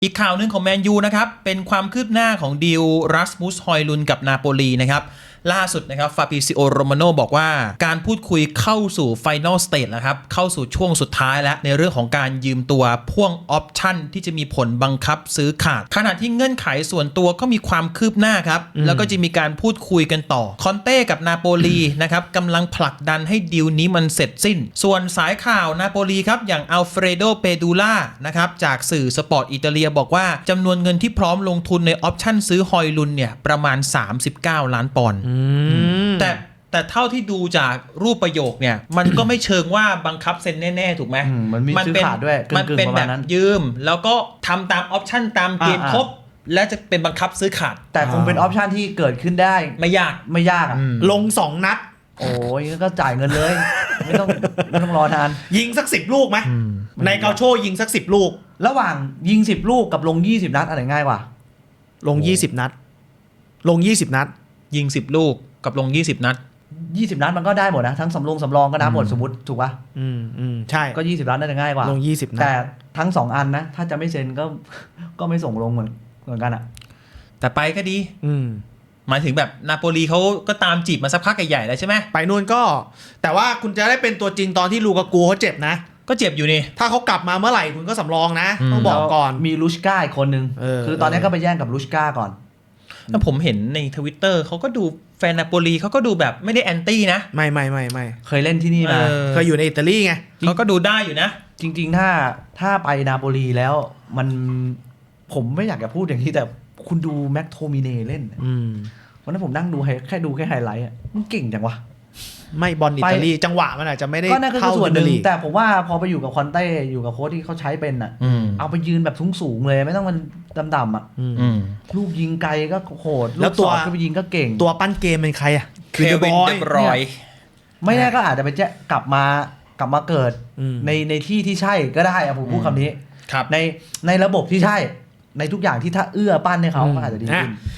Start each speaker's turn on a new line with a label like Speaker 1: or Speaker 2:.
Speaker 1: อีกข่าวหนึ่งของแมนยูนะครับเป็นความคืบหน้าของดีลรัสมุสฮอยลุนกับนาโปลีนะครับล่าสุดนะครับฟาบิซิโอโรมาโนบอกว่าการพูดคุยเข้าสู่ไฟนอลสเตจแล้วครับเข้าสู่ช่วงสุดท้ายแล้วในเรื่องของการยืมตัวพ่วงออปชั่นที่จะมีผลบังคับซื้อขาดขณะที่เงื่อนไขส่วนตัวก็มีความคืบหน้าครับแล้วก็จะมีการพูดคุยกันต่อคอนเต้กับนาโปลีนะครับกำลังผลักดันให้ดีลนี้มันเสร็จสิ้นส่วนสายข่าวนาโปลีครับอย่างอัลเฟรโดเปดูล่านะครับจากสื่อสปอร์ตอิตาเลียบอกว่าจำนวนเงินที่พร้อมลงทุนในออปชั่นซื้อฮอยลุนเนี่ยประมาณ39 ล้านปอนด์แต่เท่าที่ดูจากรูปประโยคเนี่ยมันก็ไม่เชิงว่าบังคับเซ็นแน่ๆถูกไหม
Speaker 2: มันมีซื้อขาดด้วย
Speaker 1: มันเป็นแบบยืมแล้วก็ทำตามออปชั่นตามเกณฑ์ครบและจะเป็นบังคับซื้อขาด
Speaker 2: แต่คงเป็นออปชั่นที่เกิดขึ้นได้
Speaker 1: ไม่ยาก
Speaker 2: อ่ะ
Speaker 3: ลง2 นัด
Speaker 2: โอ้ยก็จ่ายเงินเลยไม่ต้องรอนาน
Speaker 3: ยิงสัก10 ลูกไหมในเกาโชยิงสัก10 ลูก
Speaker 2: ระหว่างยิง10 ลูกกับลง20 นัดอะไรง่ายกว่า
Speaker 3: ลง20 นัดลง20 นัด
Speaker 1: ยิง10 ลูกกับลง20 นัด
Speaker 2: 20 นัดมันก็ได้หมดนะทั้งสำรองก็นับหมดสมมติถูกป่ะ
Speaker 3: ใช่
Speaker 2: ก็20 นัดน่าจะง่ายกว่า
Speaker 3: ลง20 นัด
Speaker 2: แต่ทั้ง2อันนะถ้าจะไม่เซ็นก็ไม่ส่งลงเหมือนกันอ่ะ
Speaker 1: แต่ไปก็ดีหมายถึงแบบนาโปลีเขาก็ตามจีบมาสักพักใหญ่ๆแล้วใช่ไหม
Speaker 3: ไปนู่นก็แต่ว่าคุณจะได้เป็นตัวจริงตอนที่ลูกากูเขาเจ็บนะ
Speaker 1: ก็เจ็บอยู่นี่
Speaker 3: ถ้าเขากลับมาเมื่อไหร่คุณก็สำรองนะต้องบอกก่อน
Speaker 2: มีลูชก้าอีกคนนึงคือตอนนี้ก็ไปแย่งกับลูชก้าก่อน
Speaker 1: แล้วผมเห็นใน Twitter เขาก็ดูแฟนนาโปลีเขาก็ดูแบบไม่ได้แอนตี้นะ
Speaker 3: ไม่
Speaker 2: เคยเล่นที่นี่มา
Speaker 3: เคยอยู่ในอิตาลีไง
Speaker 1: เขาก็ดูได้อยู่นะ
Speaker 2: จริงๆถ้าไปนาโปลีแล้วผมไม่อยากจะพูดอย่างนี้แต่คุณดูแม็กโทมิเน่เล่นวันนั้นผมนั่งดูแค่ไฮไลท์มันเก่งจังวะ
Speaker 3: ไม่บอลอิตาลีจังหวะมันอาจจะไม่ได้
Speaker 2: เข้าส่วนหนึ่งแต่ผมว่าพอไปอยู่กับคอนเต้อยู่กับโค้ชที่เขาใช้เป็นอ่ะเอาไปยืนแบบสูงเลยไม่ต้องมันดำๆอ่ะลูกยิงไกลก็โหด
Speaker 3: แล้วตัว
Speaker 2: ก็ไปยิงก็เก่ง
Speaker 3: ตัวปั้นเกมเป็นใครอ่ะ
Speaker 1: เควินเดบรอย
Speaker 2: ไม่แน่ก็อาจจะไปกลับมาเกิดในที่ใช่ก็ได้อะผมพูดคำนี้ในระบบที่ใช่ในทุกอย่างที่ถ้าเอื้อปั้นให้เขาก็อาจจะดีขึ้น